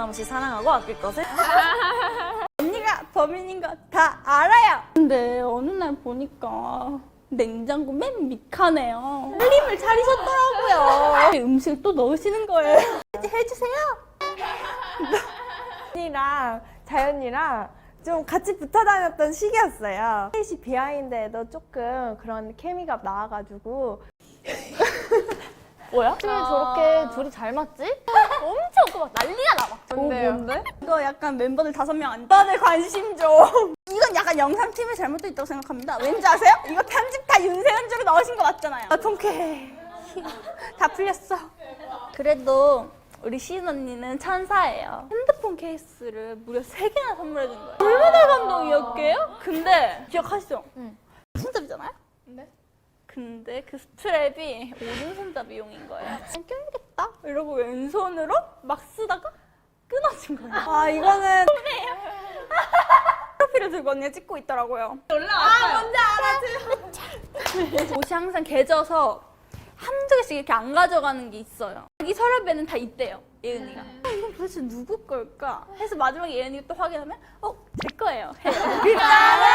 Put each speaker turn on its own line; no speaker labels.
변함없이 사랑하고 아낄 것을 언니가 범인인 거 다 알아요. 근데 어느 날 보니까 냉장고 맨 밑칸에요. 살림을 차리셨더라고요. 음식을 또 넣으시는 거예요. 해주세요.
언니랑 자연이랑 좀 같이 붙어 다녔던 시기였어요. 셋이 비하인드에도 조금 그런 케미가 나와가지고
뭐야? 어떻게 저렇게 둘이 잘 맞지? 엄청 또 막 난리가 나. 막.
뭔데?
이거 약간 멤버들 5명 안 다들 관심 좀. 이건 약간 영상팀의 잘못도 있다고 생각합니다. 왠지 아세요? 이거 편집 다 윤세현주로 넣으신 거 맞잖아요. 아, 통쾌해. 다 풀렸어. 그래도 우리 시은 언니는 천사예요. 핸드폰 케이스를 무려 3개나 선물해준 거예요. 얼마나 감동이었게요? 근데 기억하시죠?
응.
손잡이잖아요?
네.
근데 그 스트랩이 오른손잡이용인 거예요. 껴야겠다 이러고 왼손으로 막 쓰다가 끊어진 거예요.
아 이거는
프로필을 들고 언니가 찍고 있더라고요. 올라왔어요. 뭔지 알아지. 옷이 항상 개져서 한두 개씩 이렇게 안 가져가는 게 있어요. 자기 서랍에는 다 있대요, 예은이가. 이건 도대체 누구 걸까? 해서 마지막에 예은이가 또 확인하면 제 거예요. 해요.